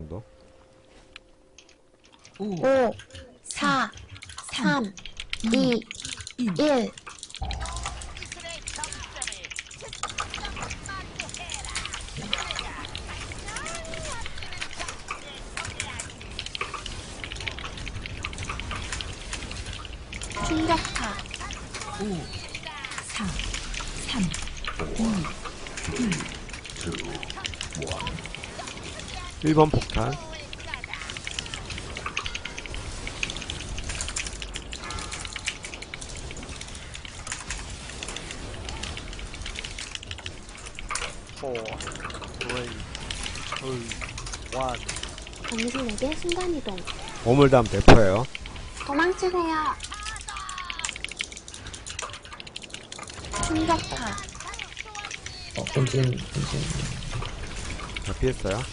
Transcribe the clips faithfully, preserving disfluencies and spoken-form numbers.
정도? 오, 사, 삼, 이, 일. 충격파. 오, 사, 삼, 이, 일. 일 번 폭탄. four, three, two, one. 당신에게 순간이동. 오물담 대포예요. 도망치세요. 충격파. 어, 본진, 본진. 자, 피했어요.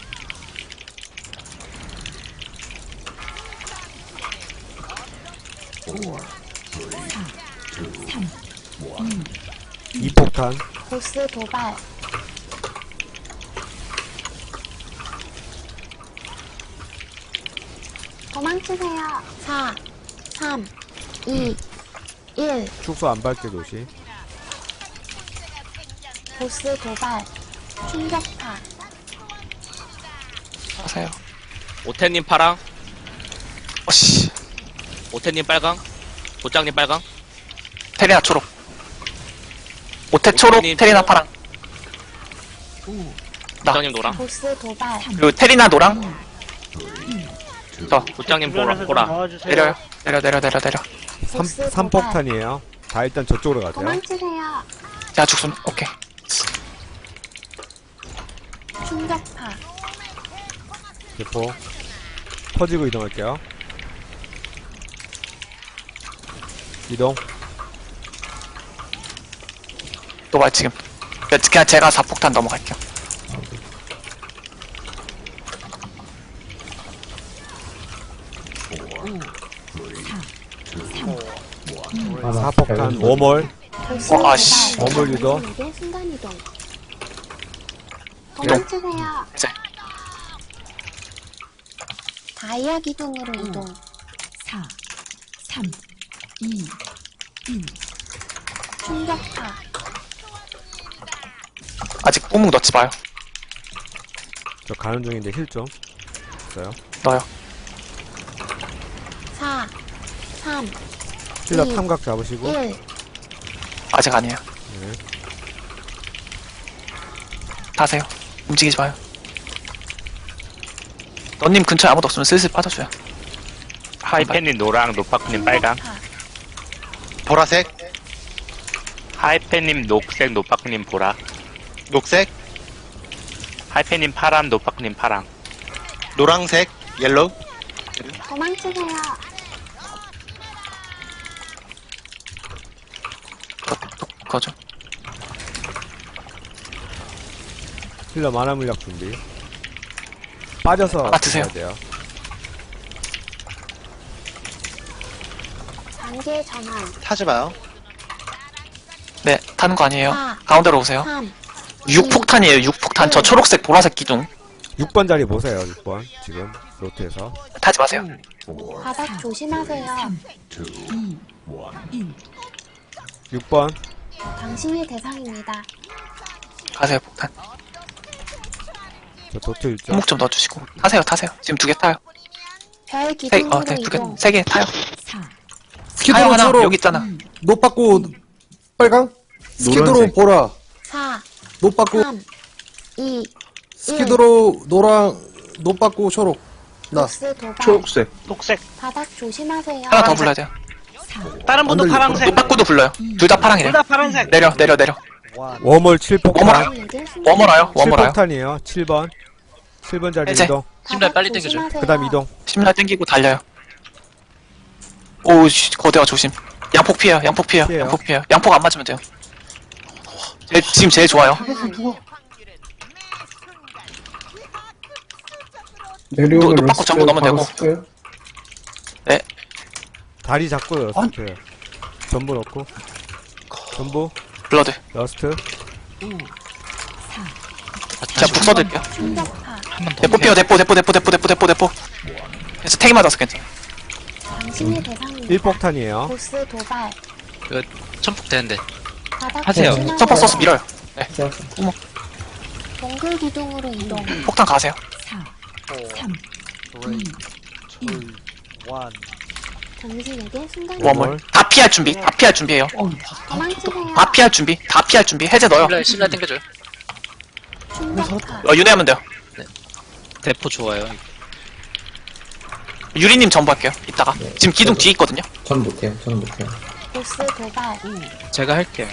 삼, 이 폭탄. 보스 도발. 도망치세요. 사, 삼, 이, 일. 축소 안 밟게 도시. 보스 도발. 충격파. 하세요. 오태님 파랑, 어씨. 오태님 빨강, 도장님 빨강, 테리나 초록. 오테 초록, 오태님 테리나 파랑. 나. 도장님 노랑, 보스 도발. 그리고 테리나 노랑. 저, 도장님 보라, 주변에서 좀 보라. 도와주세요. 내려요. 내려, 내려, 내려, 내려. 삼, 보스 삼 도발. 폭탄이에요. 자, 일단 저쪽으로 가세요. 도망치세요. 야, 죽순. 오케이. 충격파. 대포. 퍼지고 이동할게요. 이동. 노발 지금. 그냥 제가 사 폭탄 넘어갈게요. 사 폭탄. 오몰. 보스 어, 아씨. 도발. 어물 유도. 당신에게 순간이동. 도망치세요. 이제. 다이아 기둥으로 이동. 사, 삼, 이, 일. 충격파. 아직 뿜묵 넣지 마요. 저 가는 중인데 힐 좀. 있어요. 넣어요. 사, 삼, 힐러 이, 탐각 잡으시고. 일. 아직 아니에요. 네. 타세요. 움직이지 마요. 너님 근처에 아무도 없으면 슬슬 빠져줘요. 하이팬님 노랑, 노파크님 빨강, 충격파. 보라색, 하이팬님 녹색, 노파크님 보라, 녹색, 하이팬님 파란, 노파크님 파랑, 노랑색, 옐로우, 도망치세요. 그거죠. 힐러 만화 물약 준비. 빠져서 아, 드세요. 가야 돼요. 단계 전환. 타지 마요. 네, 타는 거 아니에요. 사, 가운데로 오세요. 삼, 육 폭탄이에요, 육 폭탄. 저 초록색, 보라색 기둥. 육 번 자리 보세요, 육 번. 지금, 로트에서. 타지 마세요. 바닥 조심하세요. 삼, 이, 일. 육 번. 당신이 대상입니다. 가세요, 폭탄. 저 도트 일점. 손목 좀 넣어주시고. 타세요, 타세요. 지금 두 개 타요. 별 세, 기둥으로 어, 네, 두 개, 이동. 세 개 타요. 사, 타요, 스키드로 하나. 초록, 여기 있잖아. 노 받고, 빨강? 스키드로 노란색. 보라, 사, 노 받고, 삼, 이, 스키드로 노랑, 노 받고 초록. 나. 보스 도발. 초록색. 녹색. 바닥 조심하세요. 하나 더 불러야 돼요. 사, 다른 분도 안 들리고. 파란색. 노빠꾸도 불러요. 둘 다 파랑이에요. 둘 다 파란색. 내려, 내려, 내려. 원. 워멀 칠 폭탄. 워멀. 당신에게 순간이동. 워머라요, 칠 워머라요. 폭탄이에요. 칠 번. 칠 번 자리 해제. 이동. 심장 바닥 빨리 땡겨줘요. 조심하세요. 그 다음 이동. 심라 땡기고 달려요. 오우씨, 거대화 조심. 양폭 피해요, 양폭 피해요, 피해요. 양폭 피해요. 양폭 안 맞으면 돼요. 제, 지금 제일 좋아요. 전환. 내려오는 노 받고 전부 넣으면 되고. 쓸게요. 다리 잡고 러스트. 전부 넣고. 전부. 블러드. 러스트. 오, 사, 제가 북 써드릴게요. 충격파. 대포 피어 대포 대포 대포 대포 대포 대포 대포. 그래서 탱이 맞아서 괜찮아. 당신의 대상입니다. 일 폭탄이에요. 보스 도발. 천폭 되는데. 바닥 하세요. 조심하세요. 서퍼 써서 밀어요. 네. 동굴 기둥으로 이동. 폭탄 가세요. 사, four, 삼, three, two, one. 당신에게 순간 웜을 다 피할 준비. 다 피할 준비해요. 도망치세요. 다 피할 준비. 다 피할 준비. 해제 넣어요. 신라 땡겨줘요. 충격파. 어, 윤회하면 돼요. 대포 좋아요. 유리님 전부 할게요. 이따가. 지금 기둥 뒤에 있거든요. 전 못해요. 저는 못해요. 보스 도발. 제가 할게요.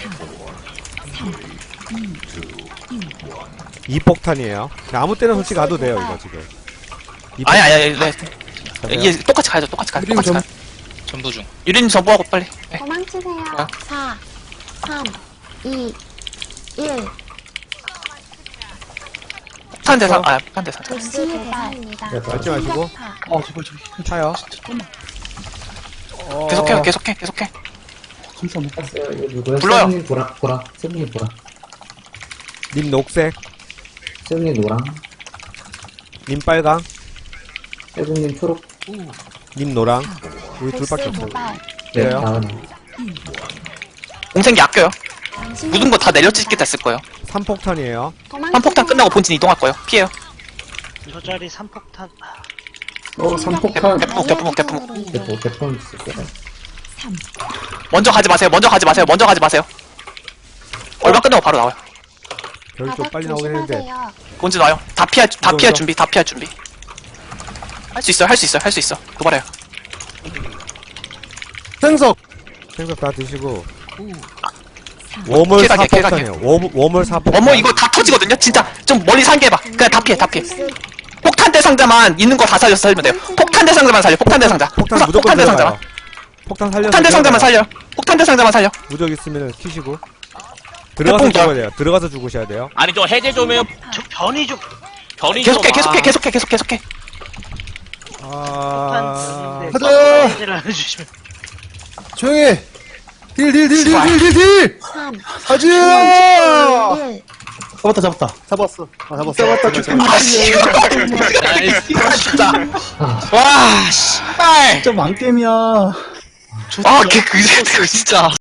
이 폭탄이에요. 아무 때나 솔직히 가도 돼요, 이거 지금. 이 아니, 아니, 아니, 네. 폭탄. 이게 똑같이 가야죠. 똑같이 가요. 유리님 똑같이 전, 가요. 전부 중. 유리님 전부하고 빨리. 네. 도망치세요. 아. 사, 삼, 이, 일. 폭탄 대상, 아, 폭탄 대상. 보스 대상입니다. 밟지 마시고. 어, 제발, 제발. 차요. 계속해요. 계속해. 계속해. 잠시만요. 땄어요. 이거 누구야? 불러요. 세븐님 보라, 보라. 세븐님 보라. 님 녹색, 세븐님 노랑. 님 빨강, 세븐님 초록. 님 노랑. 우리 보스 둘밖에 없어요. 도발. 네, 그래요? 다음. 공생기 아껴요. 당신의 묻은 거 다 대상입니다. 내려찍게 됐을 거예요. 삼 폭탄이에요. 한 폭탄 끝나고 본진 이동할 거예요. 피해요. 저 자리 삼 폭탄. 어, 삼폭탄. 대포, 대포, 대포. 대포, 대포 있을게요. 삼, 먼저 가지 마세요. 먼저 가지 마세요. 먼저 가지 마세요. 얼마 끝나고 바로 나와요. 별이 좀 바닥 빨리 나오긴 했는데. 조심하세요. 본진 와요. 다 피할, 다 이동, 피할 이동. 준비. 다 피할 준비. 할 수 있어요. 할 수 있어요. 할 수 있어. 도발해요. 생석! 생각 다 드시고. 오, 사, 웜을 사 킬각이야, 킬각이야. 폭탄이에요. 웜, 웜을 사 폭탄. 어머 이거 다 터지거든요. 진짜 좀 멀리 상계해봐. 그냥 다 피해. 다 피해. 보스 폭탄 대상자만 있는 거 다 살려서 살면 돼요. 폭탄 대상자만 살려. 폭탄 대상자. 폭탄 우선 무조건 폭탄 대상자만. 들어가요. 폭탄 살려서. 폭탄 대상자만 들어가요. 살려. 폭탄 대상자만 살려. 무적 있으면 키시고. 들어가서 태풍 죽어야 돼요. 들어가서 죽으셔야 돼요. 아니 저 해제 좀 해요. 저 변이 좀. 변이 계속해. 좀. 계속해. 아. 계속해. 계속 계속해. 아. 폭탄 가자! 해제를 안 해주시면. 조용히 해! 딜, 딜, 딜, 딜, 딜, 딜, 딜! 삼, 가지! 일. 잡았다, 잡았다. 잡았어. 아, 잡았어. 잡았다, 죽겠네. 아 씨. 진짜. 와 씨발. 진짜 망게임이야. 아 걔 그 진짜.